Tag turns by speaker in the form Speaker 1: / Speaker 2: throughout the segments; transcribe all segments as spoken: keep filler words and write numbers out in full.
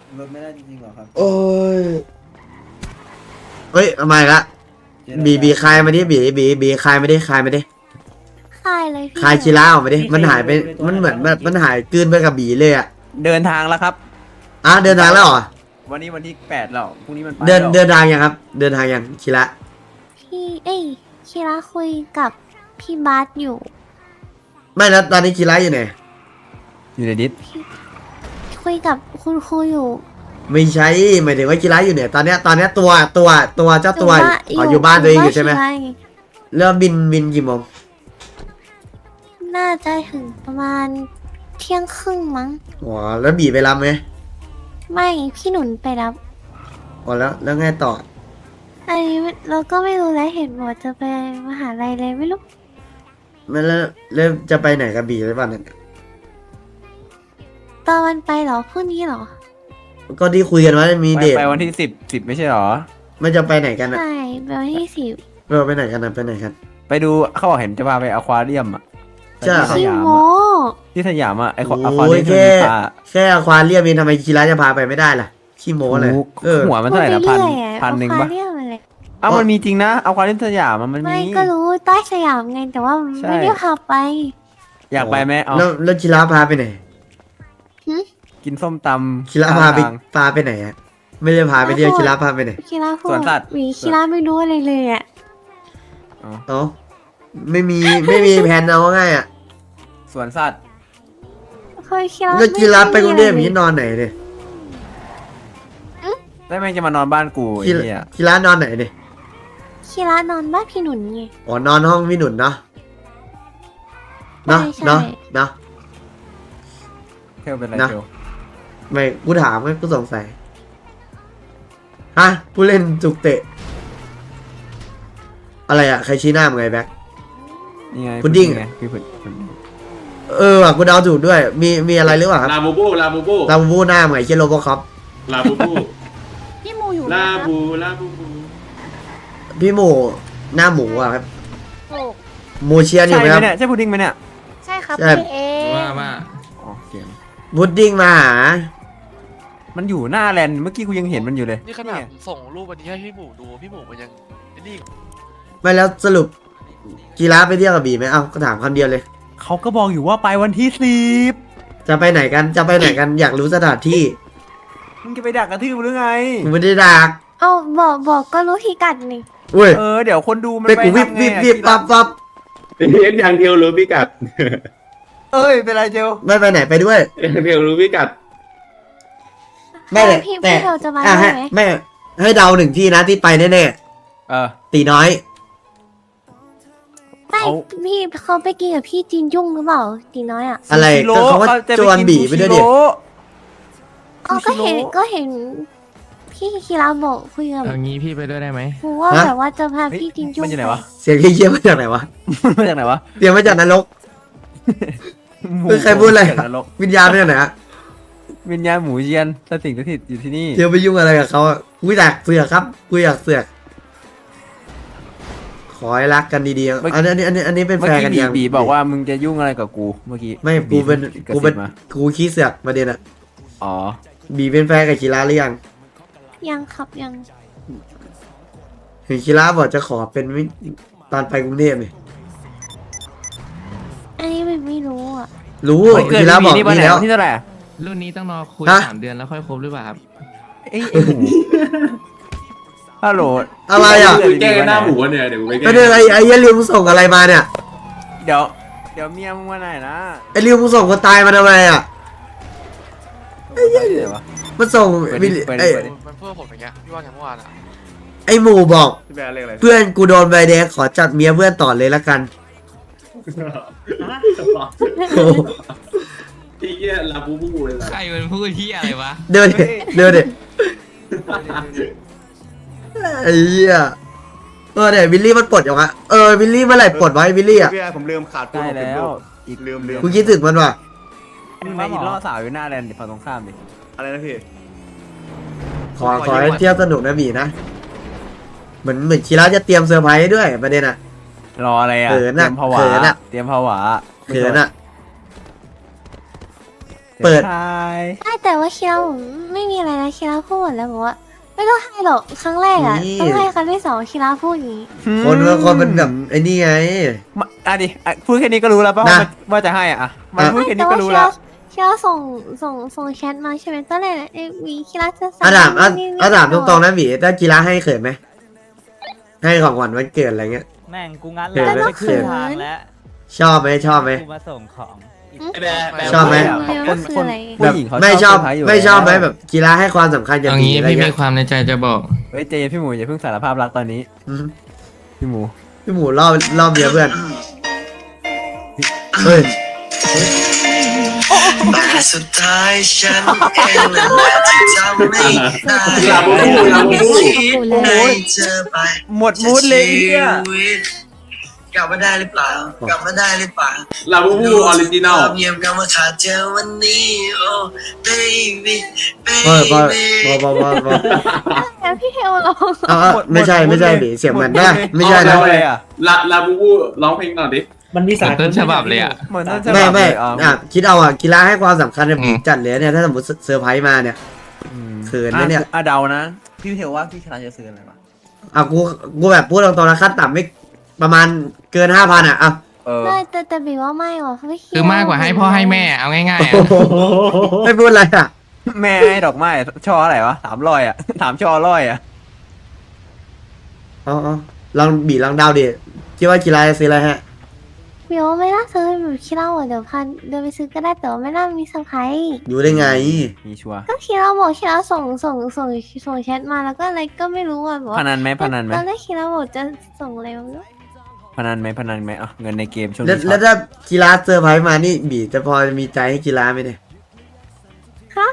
Speaker 1: รถไม่ได้จริงๆหรอครับ
Speaker 2: โอ้ยเฮ้ยทำไมละบีบีคายมาดิบีบีบีคายมาดิคายมาดิ
Speaker 3: คายเลยพี่
Speaker 2: คายชิล่าออกมาดิมันหายไปมันเหมือนแบบมันหายกลืนไปกับบีเลยอ่ะ
Speaker 4: เดินทางแล้วครับ
Speaker 2: อ่ะเดินทางแล้วเหรอ
Speaker 4: วันนี้วันที่แปดแล้วพรุ่งนี้มันไป
Speaker 2: เดิน
Speaker 4: แล้ว
Speaker 2: เดินทางยังครับ เดินทางยังชิระ
Speaker 3: พี่เอ้ยคิระคุยกับพี่บาสอยู่
Speaker 2: ไม่แล้วตอนนี้ชิระอยู่ไหน
Speaker 4: อยู่ในดิส
Speaker 3: คุยกับคุณครูอยู่
Speaker 2: ไม่ใช่หมายถึงว่าชิระอยู่ไหนตอนเนี้ยตอนเนี้ยตัวตัวตัวเจ้าตัว
Speaker 3: บ้
Speaker 2: อ๋ออยู่บ้านตัวเองอยู่ใช่ไหม
Speaker 3: บ้าน
Speaker 2: เริ่มบินบินกี่โมง
Speaker 3: น่าจะถึงประมาณเที่ยงครึ่งมั้ง
Speaker 2: อ๋อแล้วบีไปรับไหม
Speaker 3: ไม่พี่หนุนไปรับ
Speaker 2: อ๋อแล้วแล้วไงต่อ
Speaker 3: อันนี้เราก็ไม่รู้แล้วเห็นบอกจะไปมหาลัยเลยไม่รู้
Speaker 2: ไม่แล้วแล้วจะไปไหนกับบีหรือเปล่าเนี่ย
Speaker 3: ตอนวันไปเหรอพรุ่งนี้เหรอ
Speaker 2: ก็ที่คุยกันว่ามี
Speaker 4: ไป
Speaker 2: เดท
Speaker 4: ไปวันที่สิบสิบไม่ใช่หรอ
Speaker 2: มันจะไปไหนกันอะ
Speaker 3: ใช่ไปวันที่สิบ
Speaker 2: เราไปไหนกันนะไปไหนกัน
Speaker 4: ไปดูเขาบอกเห็นจะพาไปอควาเรียมอ่ะ
Speaker 2: ใช่
Speaker 4: ที่ส
Speaker 3: พี่
Speaker 4: ยาม
Speaker 3: โม
Speaker 4: อะที่สยามอ่ะไอควา
Speaker 2: โอ้
Speaker 4: อควาเรียม
Speaker 2: ย
Speaker 4: ที่
Speaker 2: แค่
Speaker 4: มีปลา
Speaker 2: แค่อควาเรียมเองทำไมชิระจะพาไปไม่ได้ล่ะขี้โม้อะไร
Speaker 4: ถูก
Speaker 2: เออ
Speaker 4: หัวมันเท่าไหร่นะพันพันหนึ่งปะ
Speaker 3: เรียกอะไร
Speaker 4: เอ้ามันมีจริงนะอควาเรียมสยามอะมัน
Speaker 3: ไม่
Speaker 4: มี
Speaker 3: ก็รู้ใต้สยามไงแต่ว่า
Speaker 4: ใช่
Speaker 3: ไม่ได้พาไป
Speaker 4: อยากไปไหมเอา
Speaker 2: แล้วแล้วชิระพาไปไหน
Speaker 4: กินส้มตำ
Speaker 2: ชิระพาไป
Speaker 4: ข้งทง
Speaker 2: พาไปไหนอะไม่ได้พาไปเที่ยวชิระพาไปไหน
Speaker 3: คิราพูด
Speaker 4: สวนสัตว์
Speaker 3: หวีคิราไม่รู้อะไรเลยอ่ะ
Speaker 4: อ๋อ
Speaker 2: เอ้าไม่มีไม่มีแผนเอาง่ายอะ
Speaker 4: สวนสัตว์
Speaker 3: เคยคิรา
Speaker 2: แล้วชิระไปกรุงเทพ
Speaker 3: ม่
Speaker 2: อย่าง
Speaker 3: มี
Speaker 2: นี้นอนไหนเนี่ย
Speaker 4: ได้แม่งจะมานอนบ้านกูไอ้
Speaker 2: ชิระ
Speaker 4: เหี้ย
Speaker 2: ชิระนอนไหนเนี่ย
Speaker 3: คิรานอนบ้านพี่หนุนไง
Speaker 2: อ๋อนอนห้องพี่หนุนเนาะเนาะ
Speaker 3: ใช่ใช่
Speaker 2: เนาะเนาะ
Speaker 4: เทลเป็นไร
Speaker 2: นะ
Speaker 4: เทล
Speaker 2: ไม่กูถามไงกูสงสัยฮะผู้เล่นจุกเตะ อะไรอะใครชี้หน้ามึงไงแบ็ค
Speaker 4: นี่ไง
Speaker 2: พุดดิ้ง
Speaker 4: ไงพี่พุดพุดดิ้ง
Speaker 2: เออว่ะกูเดาถูกด้วย มีมีอะไรหรือเปล่าครับ
Speaker 5: ลาบูบูลาบูบู
Speaker 2: เราบูหน้าเหมือนเชโลโบคอป
Speaker 5: ลาบูบู
Speaker 3: พี่มูอยู่
Speaker 5: ลาบูลาบูบู
Speaker 2: พี่หมูหน้าหมูอะครับ
Speaker 3: ถูก
Speaker 2: หมูเชียนอยู่
Speaker 4: ใช่
Speaker 2: ไหม
Speaker 4: ไหม
Speaker 2: ครับ
Speaker 4: เนี่ยใช่พุดดิ้งไหมเนี่ย
Speaker 3: ใช่ครับ
Speaker 2: ใช่
Speaker 3: พี่เอ
Speaker 5: ว่าว่า
Speaker 4: อ๋อเสียง
Speaker 2: พุดดิ้งมาหา
Speaker 4: มันอยู่หน้าแลนด์เมื่อกี้กูยังเห็นมันอยู่เลย
Speaker 6: นี่ขนาดผมส่งรูปวันนี้ให้พี่หมูดูพี่หมูมันยังไอ้นี่
Speaker 2: ไม่แล้วสรุปกีฬาไปเที่ยวกับบีไหมเอ้าก็ถามคำเดียวเลย
Speaker 4: เขาก็บอกอยู่ว่าไปวันที่สิบ
Speaker 2: จะไปไหนกันจะไปไหนกันอยากรู้สถานที่
Speaker 4: มึงจะไปดักกระทืบหรือไง
Speaker 2: กูไม่ได้ดัก
Speaker 3: เอาบอกบอกก็รู้พิกัดนี่
Speaker 2: อุ้ย
Speaker 4: เออเดี๋ยวคนดูมัน
Speaker 2: ไป
Speaker 4: ไป
Speaker 2: กูวิบ
Speaker 4: ทำไง
Speaker 2: วิบ
Speaker 4: อะ
Speaker 2: วิบปั๊บปั๊บ
Speaker 5: เรียนอย่างเดียวรู้พิกัด
Speaker 4: เอ้ยเป็นไรเจล
Speaker 2: ไม่ไปไหนไปด้วย
Speaker 5: อย่างเดียวรู้พิกัด
Speaker 2: ไม่แต่
Speaker 3: พี่
Speaker 2: แต่
Speaker 3: พี่เราจะมา
Speaker 2: อ่ะ
Speaker 3: ได้
Speaker 2: ให้
Speaker 3: ไหม
Speaker 2: ไม่ให้เดาหนึ่งที่นะที่ไปแน่
Speaker 4: เออ
Speaker 2: ๆตีน้อย
Speaker 3: ไม่
Speaker 4: เขา
Speaker 3: พี่เขาไปกินกับพี่จีนยุ่งหรือเปล่าตีน้อยอ่ะ
Speaker 2: อะไร
Speaker 4: ซูชิโร่
Speaker 2: ก็เขาว่า
Speaker 4: จะ
Speaker 2: จวน
Speaker 4: กิ
Speaker 2: บีไปด้วยดิ
Speaker 4: ซูชิโร่
Speaker 3: อ๋อก็เห็นก็เห็น พี่คิราบอกคุยกับ
Speaker 7: เอางี้พี่ไปด้วยได้ไหม
Speaker 3: ครูว่า
Speaker 2: ฮะ
Speaker 3: แบบว่าจะพา
Speaker 4: เฮ้ย
Speaker 3: พี่จีนยุ่ง
Speaker 4: มันอยู่ไหนวะ
Speaker 2: เสียงเยี่ยมมาจากไหนวะ
Speaker 4: มันมาจากไหนวะ
Speaker 2: เสียงมาจากนรก เฮ้ยใครพูดอะไร
Speaker 4: จากนรก
Speaker 2: วิญญาณมาจากไหนอะ
Speaker 4: วิญญาณหมูเยียนสถิตสถิตอยู่ที่นี่
Speaker 2: เที่ยวไปยุ่งอะไรกับเขาอะกูอยากเสือกครับกูอยากเสือกขอให้รักกันดีๆอันนี้อันนี้อันนี้เป็น
Speaker 4: เมื่
Speaker 2: แฟ
Speaker 4: อน
Speaker 2: กัน
Speaker 4: กี้
Speaker 2: ยัง
Speaker 4: บีบีบอกว่ามึงจะยุ่งอะไรกับกูเมื่อกี้
Speaker 2: ไม่กูเป็น
Speaker 4: บี
Speaker 2: กูเป็น
Speaker 4: ระซิบมา
Speaker 2: กูขี้เสือกประเด็นอะ
Speaker 4: อ๋อ
Speaker 2: บีเป็นแฟนกับคีราหรือยัง
Speaker 3: ยังครับยัง
Speaker 2: เห็นคีราบอกจะขอเป็นวิตอนไปกรุงเทพเนี่ย
Speaker 3: อันนี้ไม่ไม่รู้อ่ะ
Speaker 2: รู้
Speaker 4: วันเกิด
Speaker 2: คีราบอก
Speaker 4: บีนี่วัน
Speaker 2: นี่
Speaker 4: ไหน
Speaker 2: แล้ว
Speaker 4: วันที่เท่าไหร่
Speaker 7: รุ่นนี้ต้องรอคุย
Speaker 2: ฮะ
Speaker 7: สามเดือนแล้วค่อยครบหรือเปล่าครับ
Speaker 4: เอ้ยไอ้หมูฮัลโหล
Speaker 2: อะไรอ่ะ
Speaker 5: กูแก้หน้าหมูเนี่ยเดี๋ยวกูไปแก้
Speaker 2: ก็เนี่ยไอ้ไอ้ยริวมึงส่งอะไรมาเนี่ย
Speaker 4: เดี๋ยวเดี๋ยวเมียมึงมาไหนนะ
Speaker 2: ไอ้ริวมึงส่งคนตายมาทำไมอ่ะ
Speaker 4: เดี๋ยววะ
Speaker 2: มันส่ง
Speaker 4: เปิด
Speaker 2: วิ
Speaker 4: ดิ
Speaker 2: ล
Speaker 4: เปิดดิ
Speaker 2: ไอ้
Speaker 4: เปิดดิ
Speaker 6: มันเพื่อผมอย่างเงี้ยพี่ว่าไงเมื่อวานอ่ะ
Speaker 2: ไอ้หมูบอก
Speaker 5: พี่แบร์เรียกอะไร
Speaker 2: เพื่อนกูโดนใบแดงขอจัดเมียเพื่อนต่อเลยละกันโอ้โห
Speaker 5: พี่เหี้ยลาบูบูเลยล่ะ
Speaker 7: ใครมันพูดที่อะไรวะ
Speaker 2: เดินดิเดินดิไอ้เหี้ยเออเนี่ยวิลลี่มันปลดอย่างอะเออวิลลี่เมื่อไหร่ปลดไว้วิลลี่อ่ะ
Speaker 5: พี่แบร์ผมลืมขาด
Speaker 4: ได้แล้วอีก
Speaker 5: ลืมลืม
Speaker 2: กูคิดถึงมันว่ะ
Speaker 4: มึงมาอีกล่อสาวอยู่หน้าแลนด์ดิฝั่งตรงข้ามดิ
Speaker 5: อะไรนะพี่
Speaker 2: ขอขอให้เที่ยวสนุกนะบีนะเหมือนเหมือนคีราจะเตรียมเซอร์ไพรส์ด้วยประเด็นอ่ะ
Speaker 4: รออะไรอ่ะ
Speaker 2: เขิน
Speaker 4: เตรี
Speaker 2: อะ
Speaker 4: ยมผวา
Speaker 2: เขินอะ
Speaker 4: เตรียมผวา
Speaker 2: เขินอ่ะ เปิด
Speaker 4: ใช่
Speaker 3: ใช่แต่แต่ว่าคีราผมไม่มีอะไรนะคีราพูดหมดแล้วบอกว่าไม่ต้องให้หรอกครั้งแรกอ่ะ
Speaker 2: นี่
Speaker 3: ต้องให้ครั้งที่สองคีราพูดอย่างนี้
Speaker 2: คนบางคนมันแบบไอ้นี่ไง
Speaker 4: มาอ่ะดิอ่ะพูดแค่นี้ก็รู้แล้วป่ะ
Speaker 2: นะ
Speaker 4: ว่ามันว่าจะให้อ่ะอ่ะมัน
Speaker 2: อ่ะ
Speaker 4: พูดแค่นี้
Speaker 3: แต่
Speaker 4: ก็
Speaker 3: ว่า
Speaker 4: รู้
Speaker 3: คี
Speaker 4: แล้
Speaker 3: ราว คีราส่งส่งส่งแชทมาใช่ไหมตอนแรกเอ้ยมีคีราจะสั่ง
Speaker 2: อาถามอ่ะ
Speaker 3: นี่นี่
Speaker 2: อาถามตรงๆนะบีถ้ากีฬาให้เขินไหมให้ของขวัญวันเกิดอะไรเงี้ย
Speaker 1: แม่งกูงั้น
Speaker 2: เขิน
Speaker 1: แล้ว
Speaker 2: ไหม
Speaker 1: ไปครึ่งทางแล้ว
Speaker 2: ชอบไหมชอบไหม
Speaker 1: กูมาส่งของอีก
Speaker 5: แบะแบะ
Speaker 2: ชอบไหม
Speaker 3: เดี๋ยวก็คืออะไร
Speaker 4: ผู้หญิงเขา
Speaker 2: ไม่ชอบ
Speaker 4: เซร์พรส์ยู่
Speaker 2: ไม่ชอบไหม
Speaker 4: แล้ว
Speaker 2: แบบกีฬาให้ความสำคัญกับ
Speaker 7: เอา
Speaker 2: บี
Speaker 7: งี้
Speaker 2: อะไร
Speaker 7: พี่มี
Speaker 2: เงี้ย
Speaker 7: ความในใจจะบอก
Speaker 4: เฮ้ยเจนพี่หมูอย่าเพิ่งสารภาพรักตอนนี้
Speaker 2: อืม
Speaker 4: พี่หมู
Speaker 2: พี่หมูรอบรอบเดียวเพื่อนเฮ้ย
Speaker 8: แต่สุดท้ายฉันเองนั่นแหละที่ทำให้ได้
Speaker 5: ลาบูบูลาบูบู
Speaker 8: ให้เธอไป
Speaker 4: หมดมูดเลยไอ้เหี้ย
Speaker 8: กลับมาได้หรือเปล่า กลับมาได้หรือเปล่า
Speaker 5: ลาบูบูออริจินอล
Speaker 8: เงียบกลับมาขาดเธอวันนี้โอ้ baby
Speaker 2: พอพอ
Speaker 8: baby
Speaker 2: พอพอพอพอ
Speaker 3: แล้วพี่เทลร้อง
Speaker 2: เอาเอาไม่ใช่ไม่ใช่บีเสียงเหมือนนะไม่ใช่
Speaker 4: แล้
Speaker 2: นะ
Speaker 4: วอะไรอ่ะ
Speaker 5: ลาลาบูบูร้องเพลงหน่อยดิ
Speaker 1: มันมี
Speaker 7: เหมือนต้นฉบับเลยอ่ะ
Speaker 4: เหมือนต้นฉบับ
Speaker 2: ไม่ไม่
Speaker 4: เลยอ่ะ
Speaker 2: อ่ะคิดเอาอ่ะกีฬาให้ความสำคัญกับบี
Speaker 7: อืม
Speaker 2: จัดเลยเนี่ยถ้าสมมติเซอร์ไพรส์มาเนี่ย
Speaker 4: อืม
Speaker 2: เขินนะเนี่ย
Speaker 4: อ่ะเดานะ พี่เทลว่าพี่ชนะจะซื้ออะไรวะ
Speaker 2: อ่ะกูกูแบบพูดตรงๆนะขั้นต่ำไม่ประมาณเกินห้าพันอ่ะอ่ะ
Speaker 4: เออ
Speaker 3: ไม่แต่แต่บีว่าไม่หรอกไม่
Speaker 7: คือมากกว่าให้พ่อให้แม่เอาง่ายๆอะ
Speaker 2: ไม่พูดอะไรอ่ะ
Speaker 4: แม่ให้ดอกไม้ช่ออะไรวะสามร้อยอ่ะ ถามช่อร้อยอ่ะ
Speaker 2: เอาเอาลองบีลองเดาดิคิดว่ากีฬาจะซื้ออะไรฮะ
Speaker 3: บีว่าไม่น่าซื้อแบบคีราอ่ะเดี๋ยวพันเดินไปซื้อก็ได้แต่ว่าไม่น่ามีเซอร์ไพรส์
Speaker 2: อยู่ได้ไง
Speaker 4: มีชัวร์
Speaker 3: ก็คีราบอกคีราส่งส่งส่งส่งแชทมาแล้วก็อะไรก็ไม่รู้อ่ะบอก
Speaker 4: พ
Speaker 3: ว่า
Speaker 4: นันไหมพนันไหม
Speaker 3: ตอนแรกคีราบอกจะส่งอะไรไม่รู้
Speaker 4: พนันไหมพนันไหมอ่ะเงินในเกมช่วง
Speaker 2: แล้ว
Speaker 4: นี้ช็
Speaker 2: แล้
Speaker 4: อ
Speaker 2: ว
Speaker 4: ต
Speaker 2: ถ้ากีฬาเซอร์ไพรส์มานี่บีจะพอมีใจให้กีฬาไหมเนี่ย
Speaker 3: ฮะ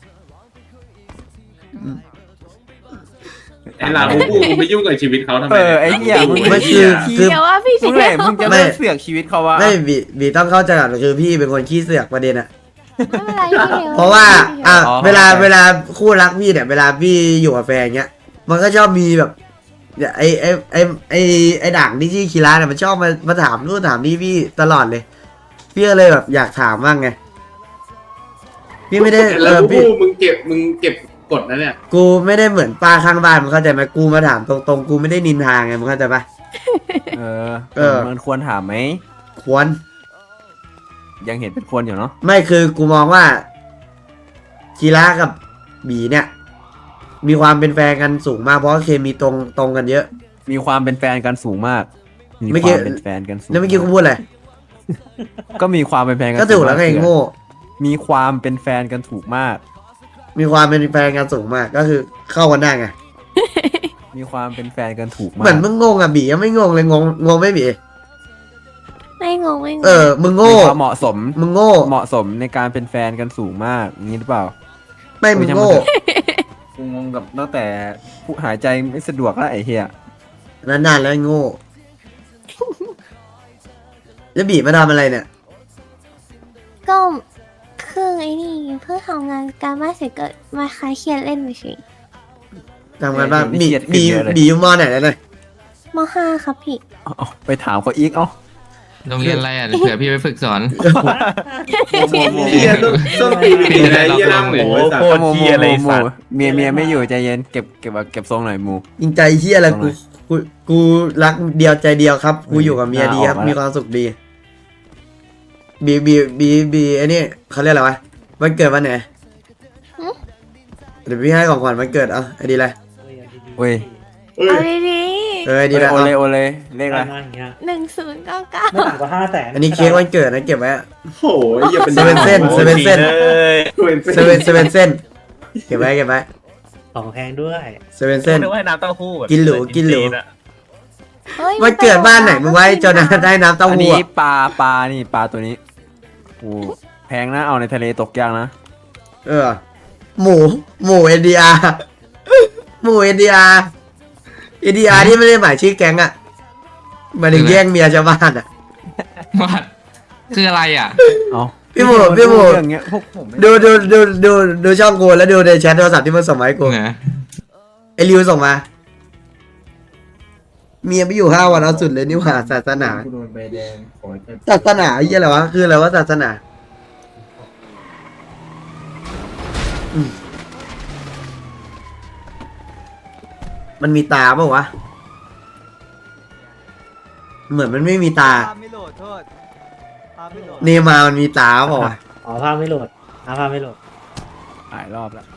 Speaker 5: ไอ้ลาบูบูมึงไปยุ่งกับชีวิตเขาทำไม
Speaker 4: เออไอ้เหี้ยมึง
Speaker 2: ไม่คือคือ
Speaker 3: เดี๋ยวว่าพี่
Speaker 4: มึง
Speaker 3: เท
Speaker 4: ไหน
Speaker 3: ล
Speaker 4: มึงจะ
Speaker 2: ไม่
Speaker 4: ไม่เสือกชีวิตเขาวะ
Speaker 2: ไม่บีบีต้องเข้าใจก่อนคือพี่เป็นคนขี้เสือกประเด็นอะ
Speaker 3: ไม่เป็นไรพี่เทล
Speaker 2: เพราะว่าอ่ะ
Speaker 4: อ๋อ
Speaker 2: เวลา
Speaker 4: เข้าใจ
Speaker 2: เวลาคู่รักพี่เนี่ยเวลาพี่อยู่กับแฟนเงี้ย มันก็ชอบมีแบบเนี่ยไอไอไอไอไอด่างที่ชื่อคีระเนี่ยมันชอบมามาถามนู่นถามนี่พี่ตลอดเลย พี่ก็เลยแบบอยากถามบ้างไงพี่ไม่ได้เอ
Speaker 5: ลา
Speaker 2: อ
Speaker 5: บู
Speaker 2: พี่
Speaker 5: บูมึงเก็บมึงเก็บกดนะเนี่ย
Speaker 2: กูไม่ได้เหมือนป้าข้างบ้านมึงเข้าใจไหมกูมาถามตรงๆกูไม่ได้นินทาไงมึงเข้าใจปะ
Speaker 4: เออ
Speaker 2: เออ
Speaker 4: มันควรถามไหม
Speaker 2: ควร
Speaker 4: ยังเห็นเป็นควรอยู่เนาะ
Speaker 2: ไม่คือกูมองว่าคีระกับบีเนี่ย มีความเป็นแฟนกันสูงมากเพราะเคมีตรงตรงกันเยอะ
Speaker 4: มีความเป็นแฟนกันสูงมากมี
Speaker 2: เมื่อ
Speaker 4: ค
Speaker 2: กี้
Speaker 4: วามเป็นแฟนกันสูง
Speaker 2: แล้วเมื่อกี้กูพูดอะไร
Speaker 4: ก็มีความเป็นแฟนกัน
Speaker 2: ก็ถูกแล้วไง
Speaker 4: สูมา
Speaker 2: โง่
Speaker 4: มีความเป็นแฟนกันถูกมาก
Speaker 2: มีความเป็นแฟนกันสูงมากก็คือเข้ากันได้ไง
Speaker 4: มีความเป็นแฟนกันถูกมาก
Speaker 2: เหมือนมึงงงอ่ะบียังไม่งงเลยงงงงไม่บี
Speaker 3: ไม่งงไม่งง
Speaker 2: เออมึง
Speaker 4: มี
Speaker 2: โง่
Speaker 4: ความเหมาะสม
Speaker 2: มึงโง่
Speaker 4: เหมาะสมในการเป็นแฟนกันสูงมากอย่างนี้หรือเปล่า
Speaker 2: ไม่มึงโง่
Speaker 4: กูงงกับตั้งแต่ผู้หายใจไม่สะดวกแล้วไอ้เหี้ย
Speaker 2: นานๆแล้วไอ้โง่แล้วบีมาทำอะไรเนี่ย
Speaker 3: ก็คือไอ้นี่เพื่อทำงานการบ้านเสร็จก็มาคลายเครียดเล่นเฉย
Speaker 2: ทำงานบ้างบีบีบีอยู่มอไหนแล้วเนี่ย
Speaker 3: มห้าครับพี่
Speaker 4: เอาเอาไปถามเขาอีกเอ้า
Speaker 7: โรงเรียนอะไรอ่ะเดี๋ยวเผื่อพี่ไปฝึกสอน
Speaker 5: เฮียต้นต้นปีนอะไรเฮียหน้าหมูไอ้สัต
Speaker 4: โค
Speaker 5: ว์
Speaker 4: ตรเหี้ยอะไรสัตว์เมียเมียไม่อยู่ใจเย็นเก็บเก็บเก็บทรงหน่อยหมู
Speaker 2: ยิงใจเฮียอะไรกูกูกูรักเดียวใจเดียวครับกูอยู่กับเมียดีครับ
Speaker 4: อ่าออกมาแล้ว
Speaker 2: มีความสุขดีบีบีบีบีไอ้นี่เขาเรียกอะไรวะวันเกิดวันไหนเดี๋ยวพี่ให้ของขวัญวันเกิดเอาไอ้ดีอะไร
Speaker 4: เว้ย
Speaker 5: เอ้ย
Speaker 3: เอาดี
Speaker 2: เออไอ้ดี
Speaker 4: โอ
Speaker 2: ละ
Speaker 4: เล
Speaker 2: เอา
Speaker 4: โอเลเลขอะไร
Speaker 3: ๆหนึ่งศูนย์เก้าเก้า
Speaker 1: ไม่ต่ำกว่าห้าแสน
Speaker 2: อันนี้เค้กวันเกิดนะเก็บไว้
Speaker 5: โอ้ยอย่าเป็น
Speaker 2: เซเว่นเส้นเซเว่นเส้น
Speaker 5: เซเว่น
Speaker 2: เซเว่นเซเว่นเส้นเก็บไว้เก็บไว้
Speaker 1: ของแพงด้วย
Speaker 2: เซเว่นเส้น
Speaker 1: นึกว่าน้ำเต้าหู้
Speaker 2: กินหรูกินหรู
Speaker 3: เฮ้ย
Speaker 2: วันเกิดบ้านไหนมึงไว้จนได้น้ำเต้า
Speaker 4: อัน
Speaker 2: หู้
Speaker 4: นี้
Speaker 2: อะ
Speaker 4: ปลาปลานี่ปลาตัวนี้โอ้แพงนะเอาในทะเลตกยากนะ
Speaker 2: เออ หมูหมูเอ็นดีอาร์หมูเอ็นดีอาร์เอ็นดีอาร์ที่ไม่ได้หมายชื่อแก๊งอะหมายถึงแย่งเมียชาวบ้านอะ
Speaker 7: ว่าคืออะไรอ่ะ
Speaker 4: เอา
Speaker 2: พี่หมูพี่หมู
Speaker 4: เรื่องเงี้ยพวกผมไม่
Speaker 2: ดูดูดูดูดูช่องกูแล้วดูในแชทโทรศัพท์ที่มันส่งมาให้กู
Speaker 7: เนี่ย
Speaker 2: ไอริวส่งมา เมียไปอยู่ห้าวันเอาสุดเลยนี่หว่าศาสนา
Speaker 4: กูโดนใบแดงขอแค่
Speaker 2: ศาสนาไอ้เหี้ยอะไรวะคืออะไรวะศาสนามันมีตาเปล่าวะเหมือนมันไม่มีตา
Speaker 9: ภาพไม่โหลดโทษภาพไม่โหลด
Speaker 2: เนมามันมีตาเปล่าวะ
Speaker 1: อ๋อภาพไม่โหลดอ่าภาพไม่โหลด
Speaker 4: หลายรอบแล้ว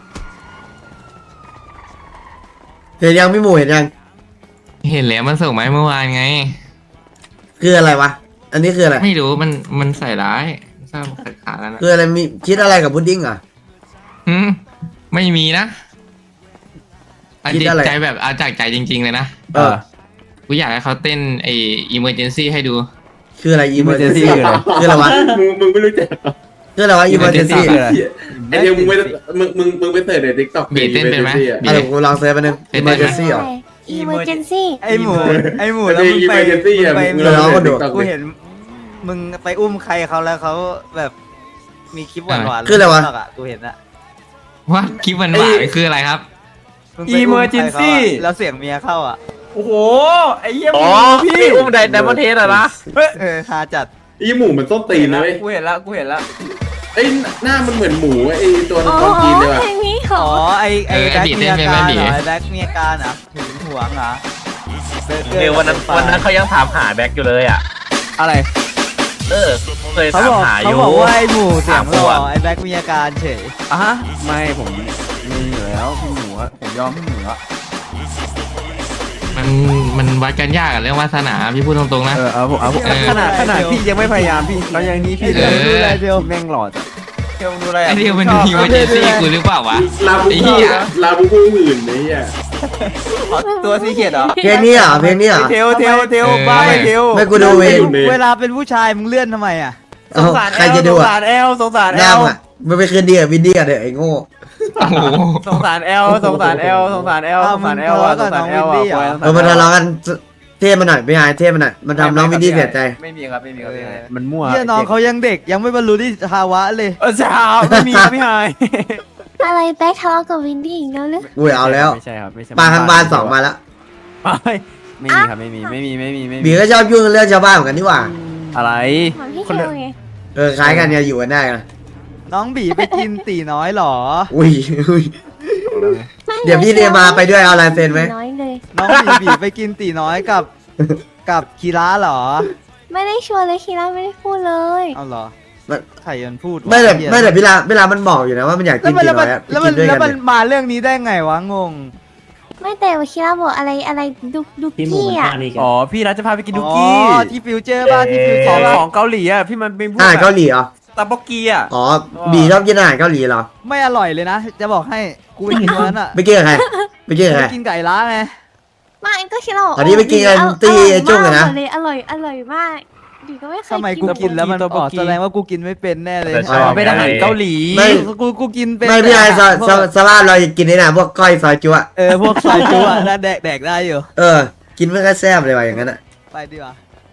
Speaker 2: เห็นยังพี่หมูเห็นยัง
Speaker 7: เห็นแล้วมันส่งมาให้เมื่อวานไง
Speaker 2: คืออะไรวะอันนี้คืออะไร
Speaker 7: ไม่รู้มันมันใส่ร้ายทราบขัดขากันนะ
Speaker 2: คืออะไรมีคิดอะไรกับพุดดิ้งเหรอ่ะ
Speaker 7: หืมไม่มีนะอัน
Speaker 2: คิด
Speaker 7: จริง
Speaker 2: อะไร
Speaker 7: ใจแบบเอาจากใจจริง ๆ เลยนะ
Speaker 2: เออ
Speaker 7: กูอยากให้เขาเต้นไอ้ emergency ให้ดู
Speaker 2: คืออะไร
Speaker 4: Emergency
Speaker 2: emergency
Speaker 4: คืออะไร
Speaker 2: คืออะไรวะ
Speaker 5: มึงมึงไม่รู้จัก
Speaker 2: คืออะไรวะ emergency
Speaker 4: คืออะไร
Speaker 5: ไอเดียวมึงไม่มึงมึงมึงไปเสิร์ชในทิกตอก
Speaker 7: บีเต้นเป็นไหมบี
Speaker 2: อะไรกูลองเซิร์ชไปหนึง
Speaker 7: เป็นได้ไหม
Speaker 2: emergency เหรอ
Speaker 3: อีเมอร์เจนซี่
Speaker 9: ไอหมูไอหมู
Speaker 5: แล้
Speaker 9: แล้ว ว
Speaker 5: มึ
Speaker 9: มึ
Speaker 5: ง
Speaker 9: ง
Speaker 5: ไป
Speaker 9: ไป
Speaker 5: เจนซี่อ่ะ
Speaker 9: มึงไป
Speaker 5: มึง
Speaker 2: เดี๋ยว
Speaker 5: ล
Speaker 2: เรา
Speaker 5: อง
Speaker 2: ก็
Speaker 5: ไป
Speaker 2: ดู
Speaker 5: ดู
Speaker 9: กูเห็น มึงไปอุ้มใครเขาแล้วเขาแบบมีคลิปหวานๆ
Speaker 2: คืออะไรวะ
Speaker 9: ใน TikTok กูเห็นอะ
Speaker 7: ว่าคลิปมันหวานคืออะไรครับ
Speaker 9: มึงไปอุ้มใครเขาอะ
Speaker 4: Emergency
Speaker 9: แล้วเสียงเมียเข้าอ่ะ
Speaker 4: โอ้โหไอ้เหี้ย
Speaker 5: อ๋อ
Speaker 4: พี่
Speaker 5: พี่อุ้มไดไดมอนเทสอะนะ
Speaker 9: เออฮาจัด
Speaker 5: ไอหมูมันส้นตีนนะเว้ย
Speaker 4: กูเห็นละกูเห็นละ
Speaker 5: ไอยหน้ามันเหมือนหมูไอตัว
Speaker 3: อ๋อ
Speaker 5: ตอนกินเลยว่ะ
Speaker 3: เพลงนี้เหร
Speaker 9: อ๋
Speaker 3: อ
Speaker 9: อไอไอ
Speaker 7: เออ
Speaker 9: แบ็ค
Speaker 7: บี
Speaker 9: เมี
Speaker 7: เต้
Speaker 9: ย
Speaker 7: นเป็นไหม
Speaker 9: การ
Speaker 7: บี
Speaker 9: เหรอไอแบ็คเมียการเหรอถึงหวงเหรอเบอร์เกอร์
Speaker 10: เออวันนั้นวันนั้นเขายังถามหาแบ็คอยู่เลยอ่ะ
Speaker 4: อะไร
Speaker 10: เออเคย
Speaker 9: เขา
Speaker 10: ถาม
Speaker 9: บอก
Speaker 10: หาอ
Speaker 9: เขา
Speaker 10: ยู่
Speaker 9: บอกว่าไอหมูเสียงหล่อ
Speaker 10: ถามก่อน
Speaker 9: ไอแบ็คเมียการเฉย
Speaker 4: อ่ะฮะไม่ผมมีอยู่แล้วพี่หมูอะผมยอมพี่หมูอะ
Speaker 7: มันมันวัดกันยากอะเรื่องวาสนาพี่พูดตรงๆนะ
Speaker 4: เออเอาผมเอาผม
Speaker 7: เออ
Speaker 4: ขนาดขนาดพี่ยังไม่พยายามพี่ตอนอย่างนี้พี่
Speaker 7: เออ
Speaker 4: ดูแลเดียวแม่งหล่อจังเที่ยวดูอะไร
Speaker 7: ไอ
Speaker 4: อะ
Speaker 7: เดียวมัน
Speaker 4: ชอบ
Speaker 7: มี emergency กูหรือเปล่าวะ
Speaker 5: ลาบู
Speaker 7: ไอ้เหี้
Speaker 5: บู
Speaker 7: ย
Speaker 5: ลาบูบูอื่นไอ้เหี้ย
Speaker 9: ตัวซีเกตเหรอ
Speaker 2: เพลงนี้เหรอเพลงนี้เหรอ
Speaker 4: เทวเทวเทว
Speaker 7: เออ
Speaker 4: บ้าไปเทว
Speaker 2: ไม่กูดูเอง
Speaker 9: เวลาเป็นผู้ชายมึงเลื่อนทำไมอ่ะ
Speaker 2: เอ้าใครจะดู
Speaker 4: สง
Speaker 2: อ่ะ
Speaker 4: สารแอลสงสาร
Speaker 2: ห
Speaker 4: แอ
Speaker 2: น้า
Speaker 4: ล
Speaker 2: มึงอ่ะมันไปคืนดีกับวินดี้อ่ะเด้อไอ้โง่
Speaker 7: โอ้โห
Speaker 4: สงสารแอลสงสารแอลสงสารแอลส
Speaker 9: อ้าว
Speaker 4: งสารแอล
Speaker 9: มึง
Speaker 4: อะ
Speaker 9: ทะ
Speaker 4: ส
Speaker 9: เลาะ
Speaker 4: ง
Speaker 9: กับ
Speaker 4: สาร
Speaker 9: น้
Speaker 4: แอ
Speaker 9: อง
Speaker 4: ล
Speaker 9: วินดี้เหรอ
Speaker 4: อะ
Speaker 2: เออมันทะเลาะกันเท่มันหน่อยไม่หายเท่มันหน่อยมันทำน้องวินดี้เสียใจ
Speaker 4: ไม่มีครับไม่มีครับไม่มีมันมั่ว
Speaker 9: เฮียน้องเขายังเด็กยังไม่บรรลุนิติภาวะเลย
Speaker 4: เออจ้าไม่มีครับไม่หาย
Speaker 3: อะไรแบ็คทะเลาะกับวินดี้อีกแล้วหรือ
Speaker 2: อุ้ยเอาแล้ว
Speaker 4: ไม่ใช่ครับไม่ใช่
Speaker 2: ปลาทางบ้านสองมาแล้ว
Speaker 4: ไม่ไม่มีครับไม่มีไม่มีไม่มีไม่มี
Speaker 2: บีก็ชอบยุ่งเรื่องชาวบ้านเหมือนกันนี่หว่า
Speaker 4: อะไร
Speaker 3: เหมือนพี่
Speaker 4: คน
Speaker 3: เท
Speaker 4: ละ
Speaker 3: ลไง
Speaker 2: เออคล้ายกันเนี่ยอยู่กันได้กัน
Speaker 9: น้องบีไปกินตีน้อยเหรอ
Speaker 2: อุ้ยอุ้ย
Speaker 3: ไม่
Speaker 2: เดี๋ยวพี่เรียมาไปด้วยเอาลายเซ็นไหม
Speaker 3: น้อยเลย
Speaker 9: น้องบีบีไปกินตีน้อยกับกับคีระเหรอ
Speaker 3: ไม่ได้ชวนเลยคีร่าไม่ได้พูดเลย
Speaker 9: เอาเหรอ
Speaker 2: มัน
Speaker 9: ใครยันพูดวะ
Speaker 2: ไม่แต่
Speaker 9: เหี้ย
Speaker 2: ไม่แต่เวลาเวลามันบอกอยู่นะว่ามันอยาก
Speaker 9: แล้
Speaker 2: กิ
Speaker 9: วน มัน
Speaker 2: ตี
Speaker 9: แล้ว
Speaker 2: น้
Speaker 9: มั
Speaker 2: อน ยอะไป
Speaker 9: แล้ว
Speaker 2: กิ
Speaker 9: มัน
Speaker 2: นด้วย
Speaker 9: แล้
Speaker 2: กั
Speaker 9: วน มัน
Speaker 2: เลย
Speaker 9: มาเรื่องนี้ได้ไงวะงง
Speaker 3: ไม่แต่ว่าคีร่าบอกอะไรอะไรดุดุ
Speaker 1: พี่หมู
Speaker 3: กี้
Speaker 1: มัน
Speaker 3: อ่ะ
Speaker 1: ท่านี้กัน
Speaker 4: อ๋อพี่รัฐจะพาไปกิน
Speaker 9: อ๋
Speaker 4: ดุ
Speaker 9: อ
Speaker 4: กี้
Speaker 9: ที่ฟิวเจอร์ป่ะที่ฟิวเจ
Speaker 4: ข
Speaker 9: อ
Speaker 4: อง
Speaker 9: ร์ป่ะ
Speaker 4: ของเกาหลีอ่ะพี่มันเป็นพวก
Speaker 2: อาหาร
Speaker 4: แบบ
Speaker 2: เกาหลีเหรอ
Speaker 4: ตาบกีอ่ะ
Speaker 2: อ๋อบีชอบกินอาหารเกาหลีเหรอ
Speaker 9: ไม่อร่อยเลยนะ จะบอกให้กูไปกินวันนั้นอ่ะ
Speaker 2: ไปกินกับใครไปกินกับใคร
Speaker 9: ไปกินไก่ล้าไง
Speaker 3: ไม่ก็คีร่าบอก
Speaker 2: อันนี้ไปกินกัน
Speaker 3: อร่อย
Speaker 2: ตี้จุ้งอะนะ
Speaker 3: มากเลยอร่อยอร่อยมากดีก็ไม่เคย
Speaker 9: ทำไมกูกินแล้วมันอ๋อแสดงว่ากูกินไม่เป็นแน่เลย
Speaker 10: แต่ช
Speaker 2: อ๋
Speaker 10: อบ
Speaker 2: อ
Speaker 4: เป็นอาหารเกาหลี
Speaker 2: ไม่
Speaker 9: กูกูกินเป็น
Speaker 2: ไม่พี่ไอ้ส
Speaker 9: พวก
Speaker 2: สสภาพเรากินได้นะพวกก้อยซอยจุ๊ะ
Speaker 9: เออพวกซอยจุ๊อะน่าแดกแดกได้อยู่
Speaker 2: เออ กินไม่ค่อยแซ่บเลยว่ะอย่างนั้นอ่ะ
Speaker 9: ไปดีกว่า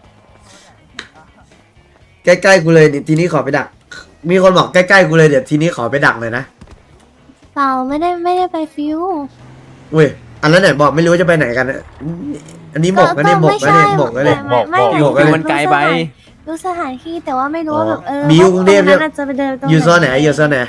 Speaker 2: ใกล้ๆกูเลยทีนี้ขอไปดัก มีคนบอกใกล้ๆกูเลยเดี๋ยวทีนี้ขอไปดักเลยนะ
Speaker 3: เปล่าไม่ได้ไม่ได้ไปฟิว
Speaker 2: อุ้ยอันนั้นไหนบอกไม่รู้ว่าจะไปไหนกันอะอันนี้หมกนะเนี่ยหมกนะเนี่ยหมกนะเนี่ย
Speaker 3: ไม่ไม่
Speaker 2: หมก
Speaker 3: ไม่
Speaker 2: เลย
Speaker 4: มันไกลไป
Speaker 3: ดูสถานที่แต่ว่าไม่รู้ว่าแบบเออ
Speaker 2: บิวกรุงเทพ
Speaker 3: ตนั้นอาจจะไปเดินตรง
Speaker 2: อยู่โซนไหนอยู่โซนไหน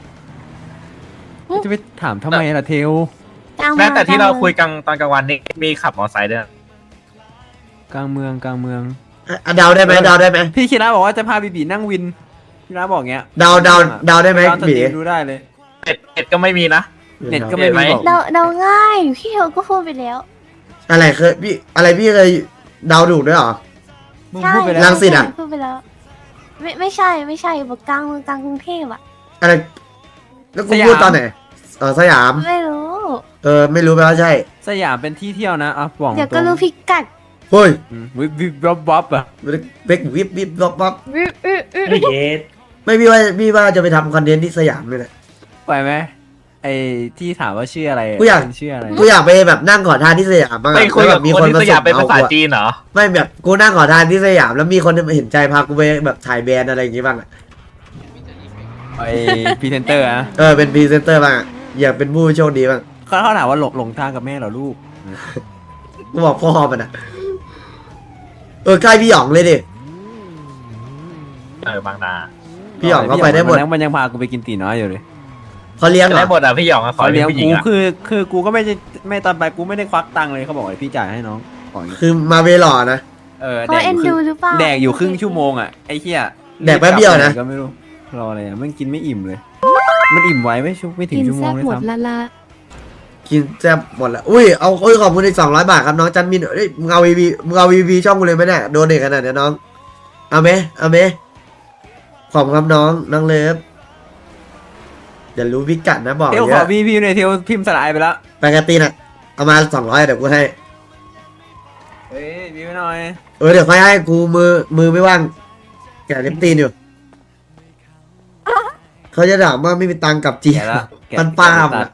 Speaker 4: จะไปถามทำไมล่ะเทล
Speaker 3: กลางเมื
Speaker 10: แม้
Speaker 3: อง
Speaker 10: แต่ที่เรา
Speaker 3: กลงมือง
Speaker 10: คุยกันตอนกลางวันนี่มีขับมอเตอร์ไซค์ด้วย
Speaker 4: กลางเมืองกลางเมือง
Speaker 2: อ่ะเดาได้ไหมเดาได้ไหม
Speaker 4: พี่คิระบอกว่าจะพาบีบีนั่งวินพี่ระบอกเงี้ย
Speaker 2: เดาเดาเดาได้ไหม
Speaker 4: ตอนสต
Speaker 2: บี
Speaker 4: รีมดูได้เลย
Speaker 10: เน็ตเน็ตก็ไม่มีนะ
Speaker 4: เน็ตก็ไม่มีบอก
Speaker 3: เดาเดาง่าย พี่เทลก็พูดไปแล้ว
Speaker 2: อะไรเคยพี่อะไรพี่เคยเดาถูกด้วยเหรอ
Speaker 9: มึง
Speaker 3: ใช่
Speaker 9: พูดไปแล้ว
Speaker 2: รังสิตอะ
Speaker 3: พูดไปแล้ว ไม่ไม่ใช่ไม่ใช่บอกกลางเมืองกลางกรุงเทพอ่ะ
Speaker 2: อะไรแล้วกูพูดตอนไหนอ๋อสยาม
Speaker 3: ไม่รู้
Speaker 2: เออไม่รู้แปลว่าใช่
Speaker 4: สยามเป็นที่เที่ยวนะอ่ะบอก
Speaker 3: เดี๋ยว
Speaker 4: ต
Speaker 3: ก็
Speaker 4: รง
Speaker 3: รู้พิกัด
Speaker 2: เฮ้ย
Speaker 4: อืมวิบวิบวับวับอ่ะ
Speaker 2: เบกวิบวิบวับวับ
Speaker 3: อื้ออื้ออื้อ
Speaker 1: ไม่เย็ด
Speaker 2: ไม่พี่ว่าพี่ว่าจะไปทำคอนเทนต์ที่สยามเลยแหละ
Speaker 4: ไปไหมไอ้ที่ถามว่าชื่ออะไร
Speaker 2: กูอยาก
Speaker 4: ชื่ออะไร
Speaker 2: กูอยากไปแบบนั่งขอทานที่สยามบ้างอะ
Speaker 10: ไปคุย
Speaker 2: แล้ว
Speaker 10: กับ
Speaker 2: แบบมี
Speaker 10: ค
Speaker 2: คน น
Speaker 10: ที่
Speaker 2: มา
Speaker 10: ส
Speaker 2: ส่
Speaker 10: ยาม
Speaker 2: ง
Speaker 10: เป็น
Speaker 2: เอา
Speaker 10: ภาษา
Speaker 2: กูอะ
Speaker 10: จีนเหรอ
Speaker 2: ไม่แบบกูนั่งขอทานที่สยามแล้วมีคนเห็นใจพากูไปแบบถ่ายแบรนด์อะไรอย่างงี้บ้างอะ
Speaker 4: ไอ้พรีเซนเตอร์อะ
Speaker 2: เออเป็นพรีเซนเตอร์บ้างอะอยากเป็นผู้โชคดีบ้าง
Speaker 4: เขาเขาถามว่าหลงหลงทางกับแม่เหรอลูก
Speaker 2: กูบอกพ่อมันอะเออใกล้พี่หยองเลยดิ
Speaker 10: เออบางนา
Speaker 2: พี่หยองเขาไปได้หมด
Speaker 4: นนั้นมันยังพากูไปกินตีน้อยอยู่เลย
Speaker 2: เขาเลี้ยง
Speaker 10: จะ
Speaker 2: เหร
Speaker 10: ได้
Speaker 2: อ
Speaker 10: หมดอ่ะพี่หยองอะขอ
Speaker 4: เขา
Speaker 10: เลี้
Speaker 4: เลี้
Speaker 10: ย
Speaker 4: ย
Speaker 10: ง
Speaker 4: ง
Speaker 10: ผู้หญิ
Speaker 4: กู
Speaker 10: งอ่ะ
Speaker 4: คือคือกูก็ไม่ได้ไม่ตอนไปกูไม่ได้ควักตังค์เลยเขาบอกให้พี่จ่ายให้น้องบอกอย่างงี้
Speaker 2: คือมาเวหล่อนะ
Speaker 4: เออ
Speaker 3: เขา
Speaker 4: แดกอ
Speaker 3: เอ็น
Speaker 4: ยู่ครึ่ง
Speaker 3: ดูหรือเปล่า
Speaker 4: แดกอยู่ครึ่งชั่วโมงอ่ะไอ้เหี้ย
Speaker 2: แดกแป๊บเดียวนะ
Speaker 4: ก็ไม่รู้รออะไรอ่ะมันกินไม่อิ่มเลย มันอิ่มไว้ไม่ชุบไม่ถึงชั่วโมงเลยซ้ำ
Speaker 2: กินแซ่บหมดละอุ้ยเอาเอ้ยขอบคุณอีกสองร้อยบาทครับน้องจันมินเอ้ยมึงเอาวีวีมึงเอาวีวีช่องกูเลยไหมเนี่ยโดนเด็กขนาดเนี้ยน้องเอาไหมเอาไหมขอบคุณครับน้องน้องเลิฟอย่ารู้พิกัดนะบอก
Speaker 4: เทล
Speaker 2: เย
Speaker 4: ขอ
Speaker 2: อะ
Speaker 4: พี่พี่ในอยเทลพิมพ์สลายไปแล้ว
Speaker 2: ปกติน่ะเอามาสองร้อยเดี๋ยวกูให้
Speaker 4: เฮ้ยพี่ไม่หน่อย
Speaker 2: เออเดี๋ยวค่อยให้กูมือมือไม่ว่างแกะเล็บตีนอยู่เขาจะถามว่าไม่มีตังค์กลับจี
Speaker 4: แกะละแกะ
Speaker 2: มันป้าม
Speaker 4: ตั
Speaker 2: อะ
Speaker 4: ด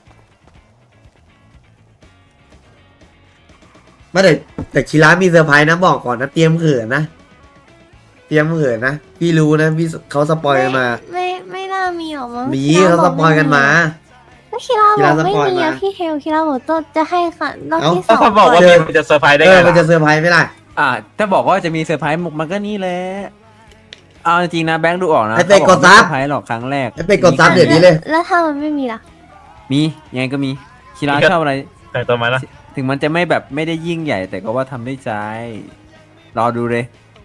Speaker 2: ไม่แต่แต่คีร้านมีเซอร์ไพรส์นะบอกก่อนนะเตรียมเขินนะเตรียมเขินนะพี่รู้นะพี่เขาสปอยกันมา
Speaker 3: ไม่ไม่น่ามีหรอกมั้ง
Speaker 2: มี
Speaker 3: คิระ
Speaker 2: เขาสปอยกันมา
Speaker 3: ก็คิรา
Speaker 2: คิ
Speaker 3: บ
Speaker 2: ระ
Speaker 3: อกไม่
Speaker 2: สปอย
Speaker 3: มี
Speaker 2: มา
Speaker 3: อะพี่เทลคิราบอกต้นจะให้ค่ะรอบ
Speaker 2: เอ้า
Speaker 3: ที่สอง
Speaker 10: เขาบอกว่า
Speaker 2: เจ
Speaker 10: มี
Speaker 2: อ
Speaker 10: มันจะเซอร์ไพรส์ได้
Speaker 2: เอ
Speaker 10: ไง
Speaker 2: อมันจะ
Speaker 10: ล่ะ
Speaker 2: เซอร์ไพรส์ไหมล่ะ
Speaker 4: อ่ะถ้าบอกว่าจะมีเซอร์ไพรส์มันก็นี่แหละเอาจริงๆนะแบงค์ดูออกนะ
Speaker 2: ไอ้เป็ดกดซับ
Speaker 4: เขาอไม่เซอร์ไพรส์หรอกครั้งแรก
Speaker 2: ไอ้เป็ดกดซับเดี๋ยวนี้เลย
Speaker 3: แล้วถ้ามันไม่มีล่ะ
Speaker 4: มียังไงก็มีคีราชอบอะไร
Speaker 10: แต่งตัวมาแล้ว
Speaker 4: ถึงมันจะไม่แบบไม่ได้ยิ่งใหญ่ แต่ก็ว่าทำได้ใจ รอดูเลย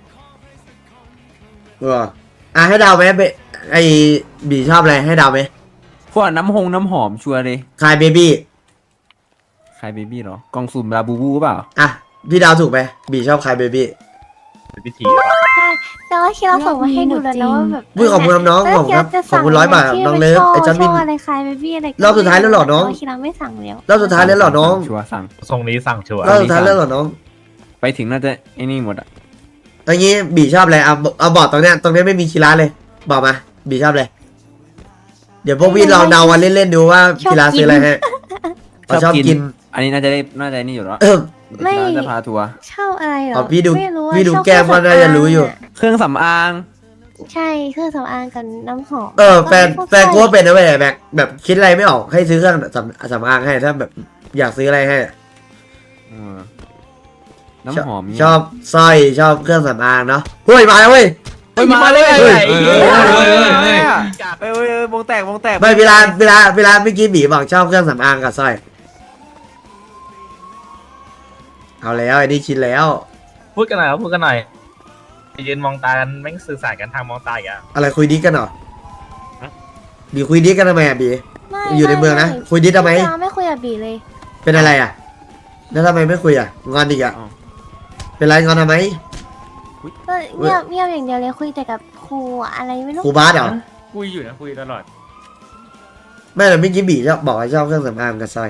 Speaker 2: เอออ่ะให้เดาวไหมเบไอบีชอบอะไรให้เดาวไหม
Speaker 4: พวกน้ำหงน้ำหอมชัวร์เลย
Speaker 2: คายเบบี้
Speaker 4: ใครเบบี้เหรอกล่องสุ่มลาบูบูเปล่า
Speaker 2: อ่ะพี่ดาวถูกไหมบีชอบคายเบบี้
Speaker 10: เป็นพิธี
Speaker 3: ใช่แต่ว่าคิราส่งมาให้ดูแล้วนะว่าแบบ
Speaker 2: อุ้ยขอบคุณครับน้องขอบคุณครับขอบคุณร้อยบาทน้องเลิฟไอ้จันมิน
Speaker 3: ช่องอะไรคลายเบบี้อะไร
Speaker 2: รอบสุดท้ายแล้วเหรอน้อง
Speaker 3: แต่ว่าคิราไม่สั่งแล้ว
Speaker 2: รอบสุดท้ายแล้วเหรอน้อง
Speaker 4: ชัวร์สั่ง
Speaker 10: ทรงนี้สั่งชัวร์
Speaker 2: รอบสุดท้ายแล้วเหรอน้อง
Speaker 4: ไปถึงน่าจะไอ้นี่หมดอ่ะ
Speaker 2: เอันนี้บีชอบอะไรเอาเอาบอกตรงเนี้ยตรงเนี้ยไม่มีคีราเลย บอกมาบีชอบอะไรเดี๋ยวพวกพี่ลองเดาวันเล่นๆดูว่าคีราซื้ออะไรให้เขาชอบกิน
Speaker 4: อันนี้น่าจะได้น่าจะนี่อยู่แล้ว
Speaker 2: เออ
Speaker 3: ไม่
Speaker 4: น่าจะพาทัวร์
Speaker 3: ชอบอะไรเหร
Speaker 2: อ๋
Speaker 3: อ
Speaker 2: อพี่ดู
Speaker 3: ไม่รู้ว่า
Speaker 2: พี่ดู
Speaker 3: ชอบ
Speaker 2: แก้มก็น่าจะรู้อยู่
Speaker 3: เค
Speaker 4: เครื่องสำอาง
Speaker 3: ใช่เครื่องสำอางกับน้ำหอม
Speaker 2: เออแฟน
Speaker 3: ล้วก็
Speaker 2: แฟนกูก็เป็นนะเว้ยแบบแบบคิดอะไรไม่ออกให้ซื้อเครื่องสำสำอางให้ถ้าแบบอยากซื้ออะไรให้
Speaker 4: เออน้ำหอมเนี่ย
Speaker 2: ชอบสร้อยชอบเครื่องสำอางเนาะเฮ้ยมาแล้วเว้ย
Speaker 4: เฮ้ยมาเลย
Speaker 2: เฮ้ย
Speaker 4: เฮ้ยเฮ้ยเฮ้ยเฮ้ยเฮ้ยเฮ้ยวงแตกวงแตก
Speaker 2: ไม่เวลาเวลาเวลาเมื่อกี้บีบอกชอบเครื่องสำอางกับสร้อยเอาแล้วไอ้นี่ชินแล้ว
Speaker 10: พูดกันหน่อยครับพูดกันหน่อยไปยืนมองตากันแม่งสื่อสารกันทางมองตาอีกอ่ะ
Speaker 2: อะไรคุยดิสกันเหรอบีคุยดิสกันทำไมอ่ะบี
Speaker 3: ไม่
Speaker 2: อยู่ในเมืองนะ
Speaker 3: ไ
Speaker 2: คุยดิสทำไม
Speaker 3: คิราไม่คุยกับบีเลย
Speaker 2: เป็นอะไรอ่ะแล้วทำไมไม่คุยอ่ะงอนอีกอ่ะเป็นไรงอนทำไม
Speaker 3: ก็เงียบเงียบอย่างเดียวเลยคุยแต่กับครูอะอะไรไม่รู้
Speaker 2: ครูบาสเหรอ
Speaker 10: คุยอยู่นะคุยตลอด
Speaker 2: ไม่แต่เมื่อกี้บีชอบบอกว่าชอบเครื่องสำอางกับสร้อย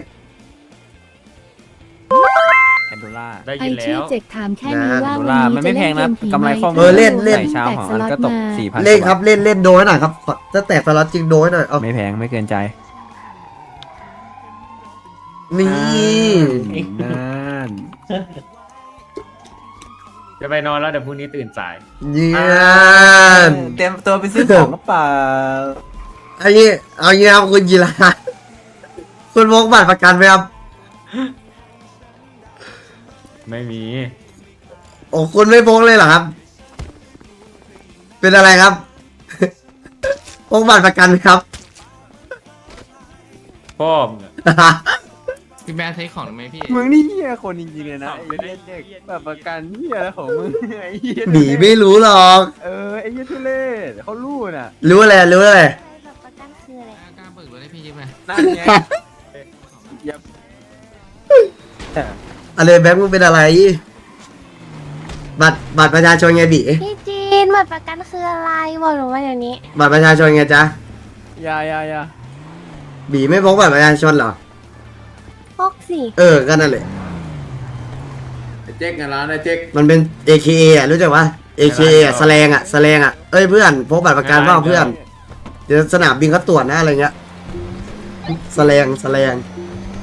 Speaker 4: แคนโดล่า
Speaker 10: ได้
Speaker 11: ไอ
Speaker 10: ยินแล้
Speaker 11: ชื่อ
Speaker 10: ว
Speaker 11: เจ็กถามแค่นี้ว่า
Speaker 4: โด
Speaker 11: วัน
Speaker 4: ล่า
Speaker 11: นี้
Speaker 4: มันไม่
Speaker 11: จะ
Speaker 4: แพ
Speaker 11: เล่
Speaker 4: ง
Speaker 11: น
Speaker 4: นะ
Speaker 11: เกมผี
Speaker 4: กำไรข้อ
Speaker 11: ไหม
Speaker 4: มื
Speaker 2: เออเล่นเล่น
Speaker 4: ใส่เช้าของอันก็ตกสี่พัน
Speaker 2: เล่นครับเล่นเล่นโดนให้หน่อยครับถ้าแตกสล็อตจริงโดนให้หน่อยเอา
Speaker 4: ไม่แพงไม่เกินใจ
Speaker 2: นี่
Speaker 4: นั่น
Speaker 5: จะไปนอนแล้วเดี๋ยวพรุ่งนี้ตื่นสาย
Speaker 2: เยี่ยม
Speaker 4: เตรียมตัวไปซื้อของกระเป๋า
Speaker 2: อันนี้เอางี้ครับคุณกีฬาคุณพกบัตรประกันไหมครับ
Speaker 5: ไม่มี
Speaker 2: โอ้คุณไม่พกเลยเหรอครับ เป็นอะไรครับ พกบัตรประกันไหมครับ
Speaker 5: พ่อมงอะ
Speaker 7: พี่แม่ใช้ของไหมพี่
Speaker 4: มึงนี่เหี้ยคนจริงๆเลยนะไอ้เหี้ยเด็กแบบประกันเหี้ยอะไรของมึงไอ้เหี้ย
Speaker 2: หนีไม่รู้หรอก
Speaker 4: เออไอ้เหี้ยทุเรศเขารู้น่ะ
Speaker 2: รู้อะไรรู้อะไร
Speaker 3: แบบประกันคืออะไร
Speaker 7: กล้าเบิกรถให้พี่ยืมไหม
Speaker 4: นั่นไงอย่า
Speaker 2: อะไรแบงค์มึงเป็นอะไร บัตรบัตรประชาชนไงบี
Speaker 3: พี่จีนบัตรประกันคืออะไรบอกหนูมาเดี๋ยวนี้
Speaker 2: บัตรประชาชนไงจ๊ะ
Speaker 4: อย่าอย่าอย่า
Speaker 2: บีไม่พกบัตรประชาชนเหรอ
Speaker 3: พกสิ
Speaker 2: เออก็นั่นแหละ
Speaker 5: เจ๊กกันแล้วนะเจ๊ก
Speaker 2: มันเป็น เอ เค เอ อ่ะรู้จักปะ เอ เค เอ อ่ะแสลงอ่ะแสลงอ่ะเอ้ยเพื่อนพกบัตรประกันเปล่าเพื่อนเดี๋ยวสนามบินเขาตรวจนะอะไรเงี้ยแสลงแสลง